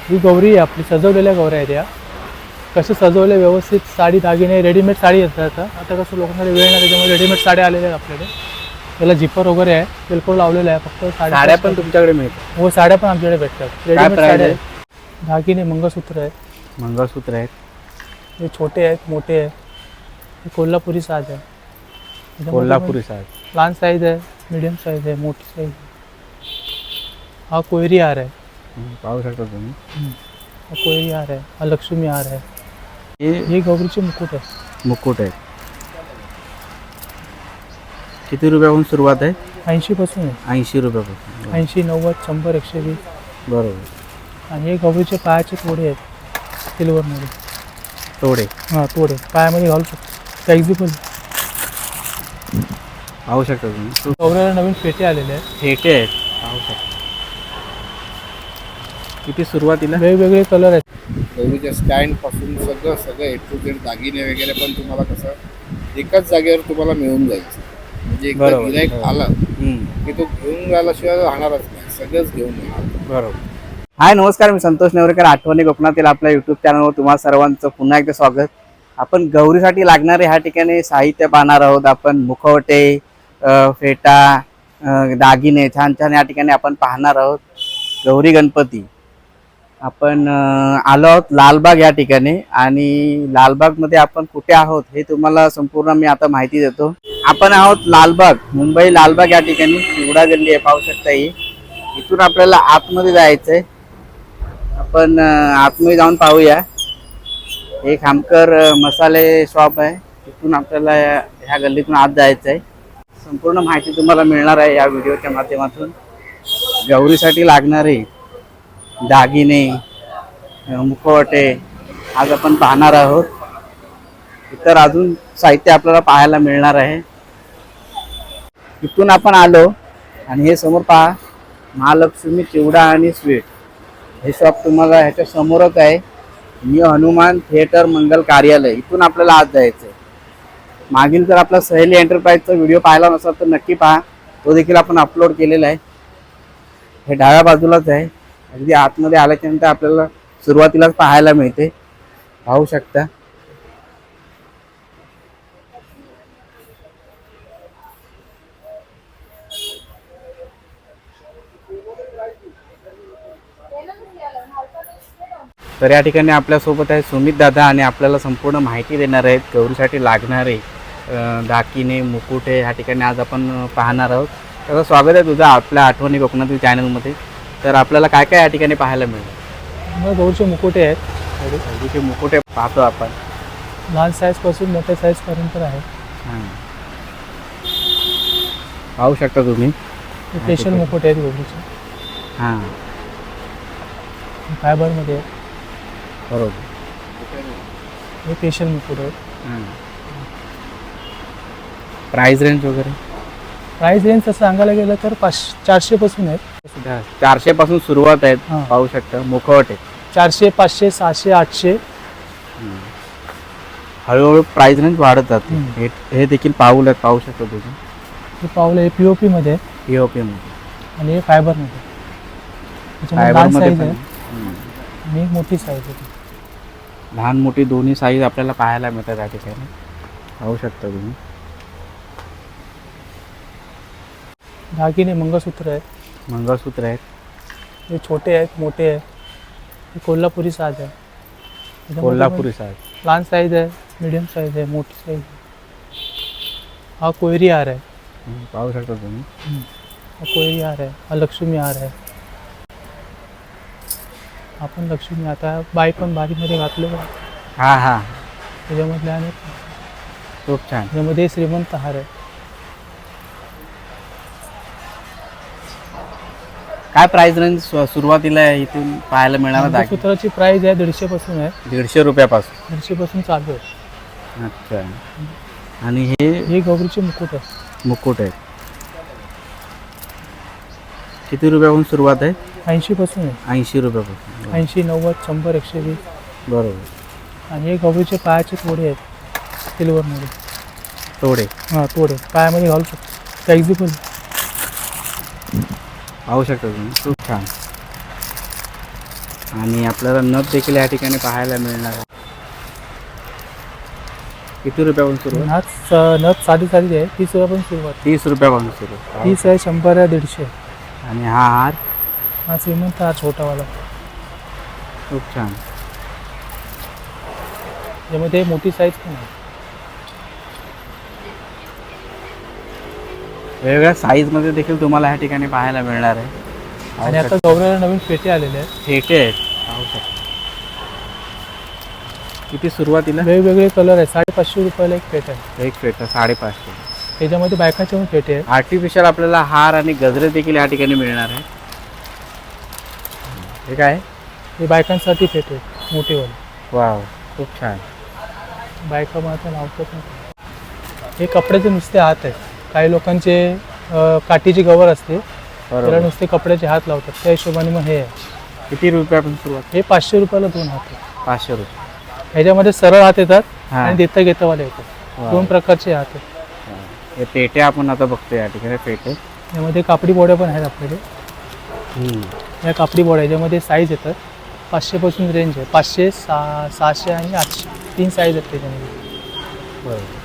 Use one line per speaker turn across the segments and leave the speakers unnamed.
ही गौरी आहे आपली, सजवलेल्या गौऱ्या आहेत या. कसे सजवले व्यवस्थित, साडी दागिने रेडीमेड साडी येतात. आता कसं लोकांना वेळ नाही त्याच्यामुळे रेडीमेड साड्या आलेल्या आहेत आपल्याकडे. त्याला जिपर वगैरे आहे, बिलकुल लावलेलं आहे. फक्त
साड्या पण तुमच्याकडे मिळतात?
हो, साड्या पण आमच्याकडे भेटतात. रेडीमेड साड्या आहेत. दागिने मंगळसूत्र आहेत.
मंगळसूत्र आहेत.
हे छोटे आहेत, मोठे आहेत. हे कोल्हापुरी साज आहे.
कोल्हापुरी साज.
लहान साईज आहे, मीडियम साईज आहे, मोठी साईज आहे. हा कोयरी हार आहे.
पाहू शकता तुम्ही.
हा कोयरी हार आहे. हा लक्ष्मी हार आहे. हे गौरीचे मुकुट आहे.
मुकुट आहे. किती रुपयापासून सुरुवात आहे?
80 पासून आहे.
80 रुपयापासून.
80, 90, 100, 120.
बरोबर.
आणि हे गौरीचे पायाचे तोडे आहेत, सिल्वरमध्ये.
तोडे?
हां, तोडे पायामध्ये घालू शकतो. फ्लेक्झिबल.
पाहू शकता तुम्ही.
गौऱ्याला नवीन फेटे आलेले आहेत.
फेटे आहेत. पाहू शकता. किती सुरुवातीला?
वेगवेगळे कलर आहेत.
गौरीच्या स्टँड पासून सगळं ए टू झेड दागिने वगैरे पण तुम्हाला कसं एकाच जागेवर तुम्हाला मिळून जायचं. म्हणजे एकदा गिऱ्हाईक आला की तो घेऊन जायलाशिवाय राहणारच नाही, सगळंच घेऊन येणार.
बरोबर. हाय, नमस्कार. मी संतोष नेवरेकर, आठवणी कोकणातील आपल्या यूट्यूब चॅनलवर तुम्हा सर्वांचं पुन्हा एकदा स्वागत. आपण गौरीसाठी लागणारे ह्या ठिकाणी साहित्य पाहणार आहोत. आपण मुखवटे, फेटा, दागिने छान छान या ठिकाणी आपण पाहणार आहोत. गौरी गणपती आपण आलो आहोत लालबाग या ठिकाणी. आणि लालबागमध्ये आपण कुठे आहोत हे तुम्हाला संपूर्ण मी आता माहिती देतो. आपण आहोत लालबाग, मुंबई लालबाग या ठिकाणी. चिवडा गल्ली आहे, पाहू शकता. ही इथून आपल्याला आतमध्ये जायचंय. आपण आतमध्ये जाऊन पाहूया. हे खामकर मसाले शॉप आहे. इथून आपल्याला ह्या गल्लीतून आत जायचं आहे. संपूर्ण माहिती तुम्हाला मिळणार आहे या व्हिडिओच्या माध्यमातून. गौरीसाठी लागणारे दागिने, मुखवटे आज आपण पाहणार आहोत. इतर अजून साहित्य आपल्याला पाहायला मिळणार आहे. इथून आपण आलो आणि हे समोर पहा, महालक्ष्मी चिवडा आणि स्वीट हे शॉप तुम्हाला ह्याच्या समोरच आहे. न्यू हनुमान थिएटर मंगल कार्यालय. इथून आपल्याला आज जायचं आहे. मागील जर आपला सहेली एंटरप्राइजचा व्हिडिओ पाहिला नसेल तर नक्की पहा, तो देखील आपण अपलोड केलेला आहे. हे डाव्या बाजूलाच आहे. अगदी आतमध्ये आल्याच्यानंतर आपल्याला सुरुवातीलाच पाहायला मिळते, पाहू शकता. तर या ठिकाणी आपल्यासोबत आहे सुमित दादा आणि आपल्याला संपूर्ण माहिती देणार आहेत गौरीसाठी लागणारे दागिने, मुकुटे ह्या ठिकाणी आज आपण पाहणार आहोत. त्याचं स्वागत आहे तुझं आपल्या आठवणी कोकणातील चॅनलमध्ये. तर आपल्याला काय काय या ठिकाणी पाहायला मिळेल?
गौरीचे मुकुटे आहेत.
गौरीचे मुकुटे पाहतो आपण.
लहान साईजपासून मोठ्या साईजपर्यंत आहे.
पाहू शकता तुम्ही.
स्पेशल मुकुट आहेत गौरीचे.
हां,
फायबरमध्ये आहे.
बरोबर.
हे स्पेशल मुकुट आहेत.
प्राइस रेंज वगैरे?
प्राइस रेंज तसं सांगायला गेलं तर 400 पासून आहेत.
400 पासून सुरुवात आहेत. पाहू शकता मुखवटे
400, 500, 600, 800.
हळूहळू प्राइस रेंज वाढत जाते. हे देखील पाऊल पाहू शकता तुम्ही.
हे पावलं हे POP मध्ये आहे
POP मध्ये
आणि हे फायबरमध्ये. लहान साईज आहे आणि एक मोठी साईज आहे.
लहान मोठी दोन्ही साईज आपल्याला पाहायला मिळतात या ठिकाणी, पाहू शकता तुम्ही.
दागिने मंगळसूत्र आहेत.
मंगळसूत्र आहेत.
हे छोटे आहेत, मोठे आहेत. हे कोल्हापुरी साज आहे.
कोल्हापुरी साज.
लहान साईज आहे, मीडियम साईज आहे, मोठी साईज आहे. हा कोयरी हार आहे.
पाहू शकता तुम्ही.
हा कोयरी हार आहे. हा लक्ष्मी हार आहे. आपण लक्ष्मी आता बाई पण बारीमध्ये घातलो.
हां हां,
त्याच्यामधले आणि
खूप छान.
त्याच्यामध्ये श्रीमंत हार आहे.
काय प्राइस रेंज सुरुवातीला इथून पाहायला मिळणार?
मंगळसूत्राची प्राइस आहे 150 पासून आहे.
150 रुपयापासून.
150 पासून चालू आहे.
अच्छा. आणि हे
गौरीचे मुकुट आहे.
मुकुट आहेत. किती रुपयापासून सुरुवात आहे?
80 पासून आहे.
80 रुपयापासून.
80, 90, 100, 120.
बरोबर.
आणि हे गौरीचे पायाचे तोडे आहेत, सिल्वरमध्ये.
तोडे?
हां, तोडे पायामध्ये घालू शकतो. फ्लेक्झिबल.
पाहू शकता तुम्ही. खूप छान. आणि आपल्याला नथ देखील या ठिकाणी पाहायला मिळणार आहे. किती रुपयापासून सुरू आहे?
नथ साधी साधी आहे, 30 रुपयापासून सुरुवात.
30 रुपयापासून सुरू आहे.
30 आहे, 100 आहे, 150.
आणि हा हार
हा श्रीमंत, हा छोटावाला.
खूप छान.
त्यामध्ये मोठी साईज पण आहे.
वेगवेगळ्या साईजमध्ये देखील तुम्हाला या ठिकाणी पाहायला मिळणार आहे.
आणि आता गौऱ्याला नवीन पेटे आलेले आहेत.
फेटे आहेत, पाहू शकता. किती सुरुवातीला?
वेगवेगळे कलर आहे. 550 रुपयाला एक पेट आहे.
एक फेटा 550.
त्याच्यामध्ये बायकाचे पण पेटे आहेत.
आर्टिफिशियल आपल्याला हार आणि गजरे देखील या ठिकाणी मिळणार आहे. हे काय?
हे बायकांसाठी पेटे आहेत, मोठेवाले.
वाव, खूप छान.
बायका मात्र लावतात नाही. हे कपड्याचे नुसते हात आहेत. काही लोकांचे काठीची गवर असते, त्याला
बरोबर.
नुसते कपड्याचे हात लावतात. त्या हिशोबाने मग हे आहे.
किती रुपयापासून सुरुवात?
हे 500 रुपयाला 2 हात आहेत.
500 रुपये.
ह्याच्यामध्ये सरळ हात येतात
हा.
आणि देता घेतावाले येतात.
वाव.
2 प्रकारचे हात आहेत.
हे पेटे आपण आता बघतो या ठिकाणी. पेटे
यामध्ये कापडी बोड्या पण आहेत आपल्याकडे. या कापडी बोड्या याच्यामध्ये साईज येतात. 500 पासून रेंज आहे. 500, 600 आणि 800 3 साईज आहेत त्याच्यामध्ये.
बरोबर.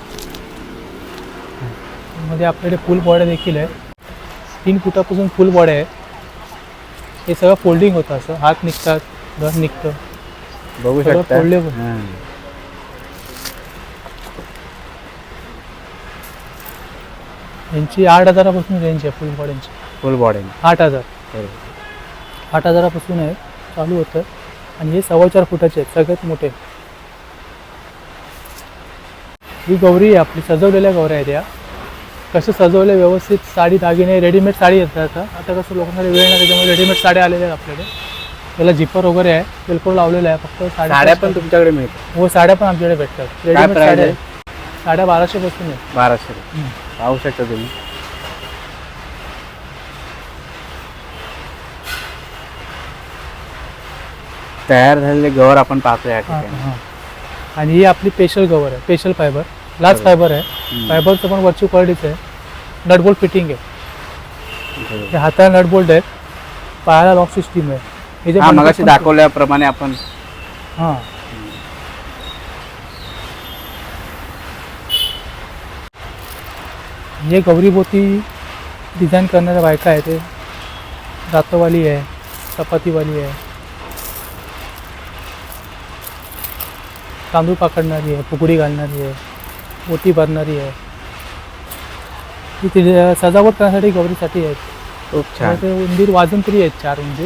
मध्ये आपल्याकडे फुल बॉड्या देखील आहे. 3 फुटापासून फुल बॉड्या आहे. हे सगळं फोल्डिंग होतं, असं हात निघतात, घर निघतं.
बघू
सगळं
शकता.
फोल्डेबल.
हां.
यांची 8,000 पासून रेंज आहे फुल बॉड्यांची.
फुल बॉडी.
8,000
बरोबर.
8,000 पासून आहे, चालू होतं. आणि हे 4.25 फुटाचे आहेत, सगळ्यात मोठे. ही गौरी आहे आपली, सजवलेल्या गौऱ्या आहेत या. कसं सजवले व्यवस्थित. साडी दागिने रेडीमेड साडी येतात. आता कसं लोकांकडे वेळ नाही, त्याच्यामुळे रेडीमेड साड्या आलेल्या आहेत आपल्याकडे. त्याला झिपर वगैरे आहे, बिलकुल लावलेलं आहे. फक्त
साड्या पण तुमच्याकडे मिळतात?
हो, साड्या पण आमच्याकडे भेटतात. रेडीमेड
प्राइस
साड्या
आहे?
साड्या 1200 पासून आहे.
1200 रुपये. पाहू शकता तुम्ही. तयार झालेले गवर आपण पाहतो या ठिकाणी.
हां. आणि ही आपली स्पेशल कवर आहे, स्पेशल फायबर, ग्लास फायबर आहे. फायबरचं पण वरची क्वालिटीचं आहे. नटबोल्ट फिटिंग आहे.
बरोबर.
हे हाताला नटबोल्ट आहेत, पायाला लॉक सिस्टीम आहे. हे जे
हा,
बंडल
मगाशी
पण-
दाखवल्याप्रमाणे आपण.
हां. हे गौरीभोवती डिझाईन करणाऱ्या बायका आहे. ते रातवाली आहे, चपातीवाली आहे, तांदूळ पाकडणारी आहे, फुगडी घालणारी आहे, मोती भरणारी आहे. ही तिथे सजावट करण्यासाठी गौरीसाठी आहेत.
खूप छान.
ते उंदीर वाजून तरी आहेत, 4 उंदीर.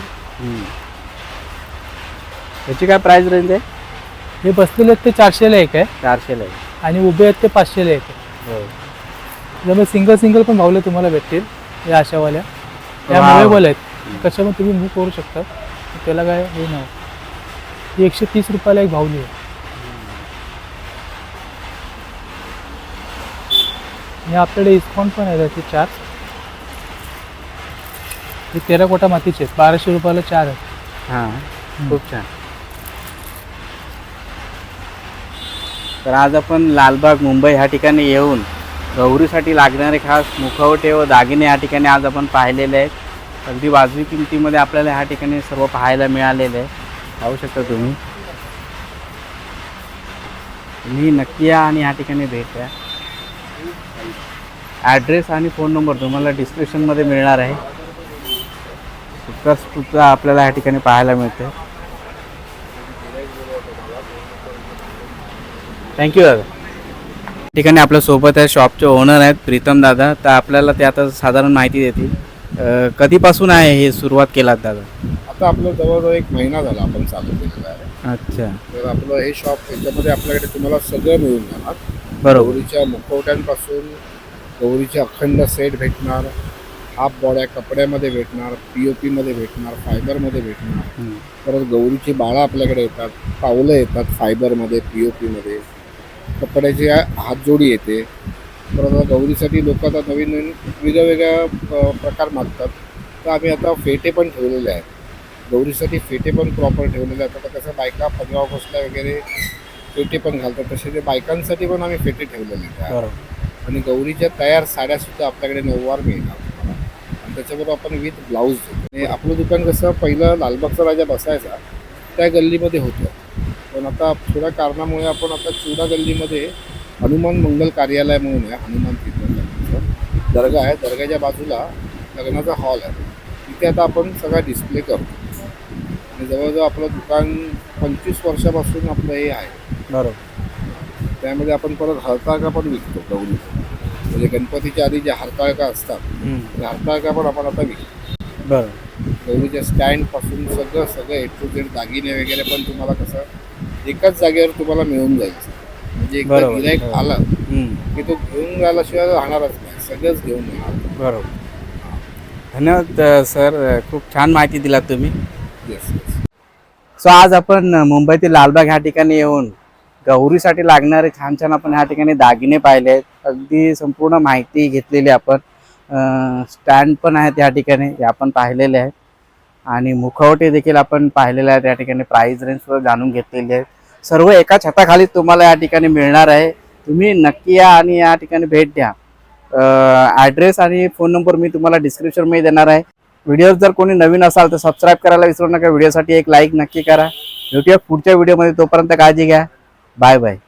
याची काय प्राइस रेंज आहे?
हे बसलेले आहेत ते 400ला एक आहे,
400 आहे.
आणि उभे आहेत ते 500ला एक आहे. त्यामुळे सिंगल पण भावले तुम्हाला भेटतील या अशावाल्या. या
Wow.
मुवेबल आहेत, कशा पण तुम्ही मूव करू शकता. त्याला काय हे नाही. ही 130 रुपयाला एक भावली आहे. आणि आपल्याकडे इस्कॉन पण आहे त्याचे 4. हे 13 कोटा मातीचे आहेत, 1200 रुपयाला 4 आहेत.
हां, खूप छान. तर आज आपण लालबाग मुंबई ह्या ठिकाणी येऊन गौरीसाठी लागणारे खास मुखवटे व दागिने या ठिकाणी आज आपण पाहिलेले आहेत. अगदी वाजवी किमतीमध्ये आपल्याला ह्या ठिकाणी सर्व पाहायला मिळालेलं आहे. पाहू शकता तुम्ही. तुम्ही नक्की या आणि ह्या ठिकाणी भेट द्या. ॲड्रेस आणि फोन नंबर तुम्हाला डिस्क्रिप्शनमध्ये मिळणार आहे. सुद्धा आपल्याला या ठिकाणी पाहायला मिळते. थँक्यू दादा. ठिकाणी आपल्या सोबत आहे शॉपचे ओनर आहेत प्रीतम दादा. तर आपल्याला ते आता साधारण माहिती देतील. कधीपासून आहे हे सुरुवात केलात दादा?
आता आपलं जवळजवळ 1 महिना झाला आपण चालू केलेलं आहे.
अच्छा,
तर आपलं हे शॉप याच्यामध्ये आपल्याकडे तुम्हाला सगळं मिळून जाणार.
बरोबर.
गौरीच्या मुखवट्यांपासून गौरीचे अखंड सेट भेटणार, हाफ बॉड्या कपड्यामध्ये भेटणार, POP मध्ये भेटणार, फायबरमध्ये भेटणार. परत गौरीची बाळा आपल्याकडे येतात, पावलं येतात फायबरमध्ये, POP मध्ये, कपड्याची हातजोडी येते. परत आता गौरीसाठी लोक आता नवीन वेगवेगळ्या प्रकार मागतात. तर आम्ही आता फेटे पण ठेवलेले आहेत. गौरीसाठी फेटे पण प्रॉपर ठेवलेले आहेत. आता कसं बायका 15 ऑगस्टला वगैरे फेटे पण घालतात, तसे ते बायकांसाठी पण आम्ही फेटे ठेवलेले आहेत.
बरोबर.
आणि गौरीच्या तयार साड्यासुद्धा आपल्याकडे 9वार मिळणार तुम्हाला. आणि त्याच्याबरोबर आपण विथ ब्लाऊज देतो. हे आपलं दुकान कसं पहिलं लालबागचा राजा बसायचा त्या गल्लीमध्ये होतं, पण आता थोड्या कारणामुळे आपण आता चुडा गल्लीमध्ये हनुमान मंगल कार्यालय म्हणून आहे, हनुमान तीर्थाचं दर्गा आहे, दर्ग्याच्या बाजूला लग्नाचा हॉल आहे, तिथे आता आपण सगळा डिस्प्ले करतो. आणि जवळजवळ आपलं दुकान 25 वर्षापासून आपलं हे आहे.
बरोबर.
त्यामध्ये आपण परत हरताळका पण विकतो गौरी, म्हणजे गणपतीच्या आधी ज्या हरताळका असतात त्या हरताळका पण आपण आता विकतो.
बरोबर.
गौरीच्या स्टँडपासून सगळं ए टू झेड दागिने वगैरे पण तुम्हाला कसं एकाच जागेवर तुम्हाला मिळून जायचं. म्हणजे एकदा
बरोबर.
गिराईक आला की तो घेऊन राहिल्याशिवाय राहणारच नाही, सगळंच घेऊन येणार.
बरोबर. धन्यवाद सर, खूप छान माहिती दिलात तुम्ही.
Yes yes.
सो आज आपण मुंबईतील लालबाग ह्या ठिकाणी येऊन गौरीसाठी लागणारे छान छान आपण ह्या ठिकाणी दागिने पाहिले आहेत. अगदी संपूर्ण माहिती घेतलेली आपण. स्टँड पण आहेत या ठिकाणी, हे आपण पाहिलेले आहेत. आणि मुखवटे देखील आपण पाहिलेले आहेत या ठिकाणी. प्राइस रेंज सुद्धा जाणून घेतलेली आहे. सर्व एका छताखाली तुम्हाला या ठिकाणी मिळणार आहे. तुम्ही नक्की या आणि या ठिकाणी भेट द्या. ॲड्रेस आणि फोन नंबर मी तुम्हाला डिस्क्रिप्शनमध्ये देणार आहे. व्हिडिओ जर कोणी नवीन असाल तर सबस्क्राईब करायला विसरू नका. व्हिडिओसाठी एक लाईक नक्की करा. भेटूया पुढच्या व्हिडिओमध्ये. तोपर्यंत काळजी घ्या. Bye bye.